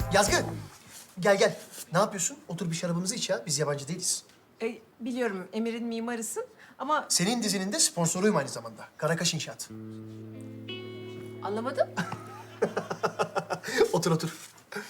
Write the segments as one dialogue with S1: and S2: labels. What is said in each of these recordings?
S1: Yazgı, gel gel. Ne yapıyorsun? Otur bir şarabımızı iç ya. Biz yabancı değiliz.
S2: Biliyorum Emir'in mimarısın ama
S1: Senin dizinin de sponsoruyum aynı zamanda. Karakaş İnşaat.
S2: anlamadım.
S1: Otur otur.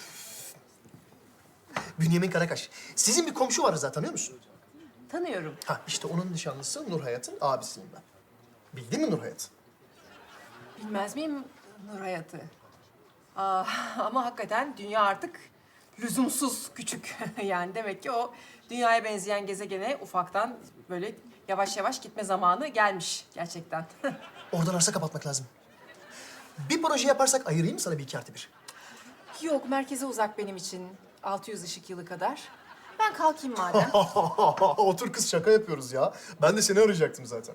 S1: Bünyamin Karakaş. Sizin bir komşu var Rıza, tanıyor musun?
S2: Tanıyorum.
S1: Ha işte onun nişanlısı Nur Hayat'ın abisiyim ben. Bildin mi Nur Hayat?
S2: Bilmez miyim Nur Hayat'ı? Ama hakikaten dünya artık lüzumsuz küçük. Yani demek ki o dünyaya benzeyen gezegene ufaktan böyle yavaş yavaş gitme zamanı gelmiş gerçekten.
S1: Oradan arsa kapatmak lazım. Bir proje yaparsak ayırayım mı sana bir iki artı bir?
S2: Yok, merkeze uzak benim için. 600 ışık yılı kadar. Ben kalkayım madem.
S1: Otur kız, şaka yapıyoruz ya. Ben de seni arayacaktım zaten.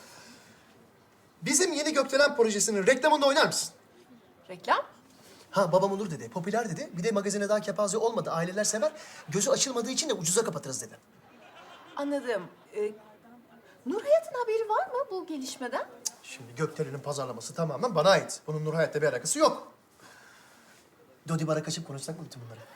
S1: Bizim yeni Gökdelen projesinin reklamında oynar mısın?
S2: Reklam?
S1: Ha, babam olur dedi, popüler dedi. Bir de magazine daha kepaze olmadı, aileler sever. Gözü açılmadığı için de ucuza kapatırız dedi.
S2: Anladım. Nur Hayat'ın haberi var mı bu gelişmeden?
S1: Şimdi Gökdelen'in pazarlaması tamamen bana ait. Bunun Nur Hayat'la bir alakası yok. Dodi bara kaçıp konuşsak mı bütün bunları?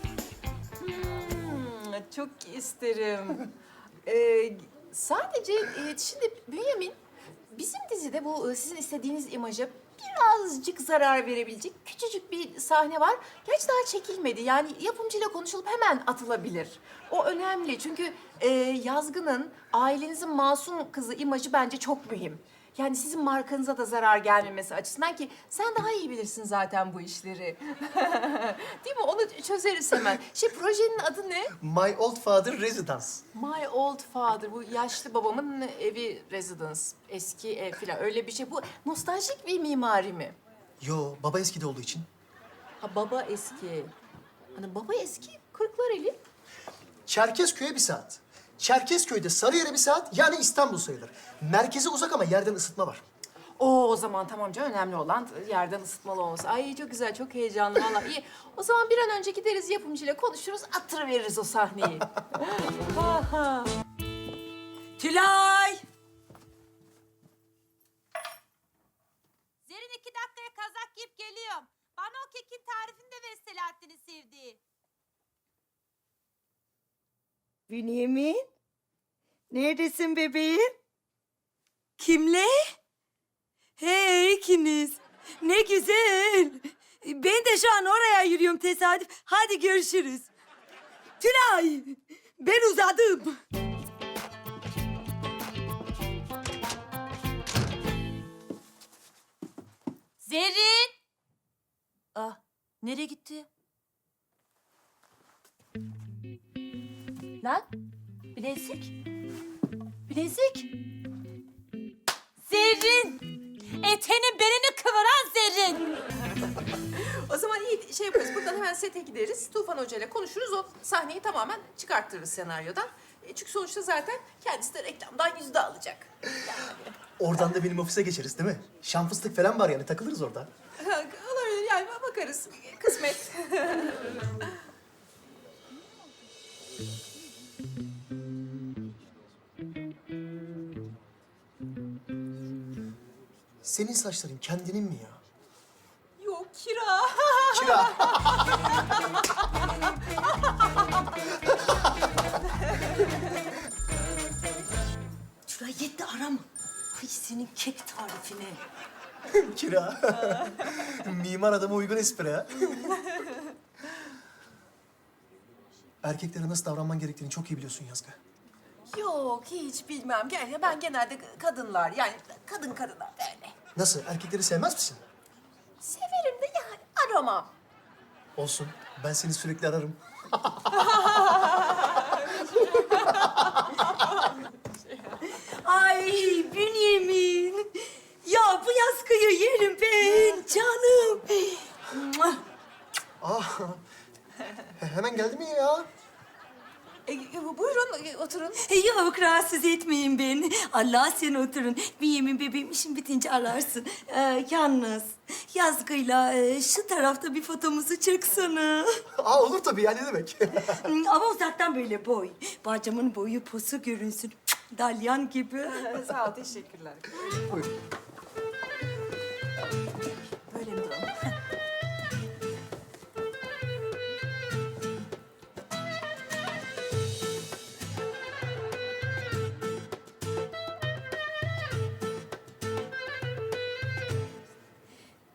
S2: Çok isterim. Sadece şimdi Bünyamin, bizim dizide bu sizin istediğiniz imaja birazcık zarar verebilecek küçücük bir sahne var. Gerçi daha çekilmedi. Yani yapımcıyla konuşulup hemen atılabilir. O önemli çünkü Yazgı'nın ailenizin masum kızı imajı bence çok mühim. Yani sizin markanıza da zarar gelmemesi açısından ki sen daha iyi bilirsin zaten bu işleri. Değil mi? Onu çözeriz hemen. Projenin adı ne?
S1: My Old Father Residence.
S2: My Old Father. Bu yaşlı babamın evi residence. Eski ev falan öyle bir şey. Bu nostaljik bir mimari mi?
S1: Yo, baba eskide olduğu için.
S2: Ha baba eski. Hani baba eski Kırklareli.
S1: Çerkezköy'e bir saat. Çerkezköy'de Sarıyer'e bir saat, yani İstanbul sayılır. Merkeze uzak ama yerden ısıtma var.
S2: O zaman tamam canım, önemli olan yerden ısıtmalı olması. Ay çok güzel, çok heyecanlı vallahi iyi. O zaman bir an önce gideriz yapımcıyla konuşuruz, attırıveririz o sahneyi.
S3: Tülay!
S4: Zerrin 2 dakikaya kazak giyip geliyorum. Bana o kekin tarifini de ver Selahattin'in sevdiği.
S3: Bünyamin? Neredesin bebeğim? Kimle? Hey ikiniz. Ne güzel. Ben de şu an oraya yürüyorum tesadüf. Hadi görüşürüz. Tülay! Ben uzadım.
S4: Zerrin! Ah, nereye gitti? Lan, bilezik. Bilezik. Zerrin! Etenin belini kıvıran Zerrin!
S2: O zaman iyi şey yaparız. Buradan hemen sete gideriz. Tufan Hoca ile konuşuruz. O sahneyi tamamen çıkarttırırız senaryodan. Çünkü sonuçta zaten kendisi de reklamdan yüzde alacak.
S1: Oradan da benim ofise geçeriz değil mi? Şan fıstık falan var yani, takılırız orada.
S2: Olabilir yani, bakarız. Kısmet.
S1: Senin saçların kendinin mi ya?
S2: Yok, kira.
S1: Kira.
S3: Tülay yetti arama. Ay senin kek tarifine.
S1: Kira. Mimar adama uygun espri ha. Erkeklere nasıl davranman gerektiğini çok iyi biliyorsun Yazgı.
S2: Yok, hiç bilmem. Ben genelde kadınlar, yani kadınlar böyle.
S1: Nasıl? Erkekleri sevmez misin?
S2: Severim de yani aramam.
S1: Olsun. Ben seni sürekli ararım.
S3: Ay Bünyamin. Ya bu yaskıyı yerim ben canım.
S1: Ah. Hemen geldi mi ya?
S2: Buyurun, oturun.
S3: Yok rahatsız etmeyin beni. Allah sen oturun. Bünyamin bebeğim işin bitince ararsın. Yalnız Yazgı'yla şu tarafta bir fotomuzu çeksene.
S1: Aa, olur tabii ya, ne demek?
S3: Ama uzaktan böyle boy. Bacamın boyu posu görünsün. Dalyan gibi.
S2: Sağ ol, teşekkürler.
S1: Buyurun.
S2: Böyle mi duralım?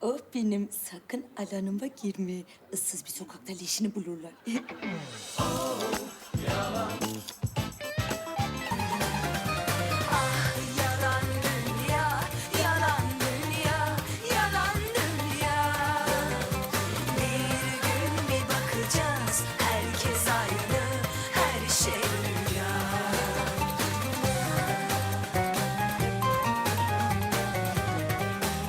S3: Oh benim sakın alanıma girme. Issız bir sokakta leşini bulurlar.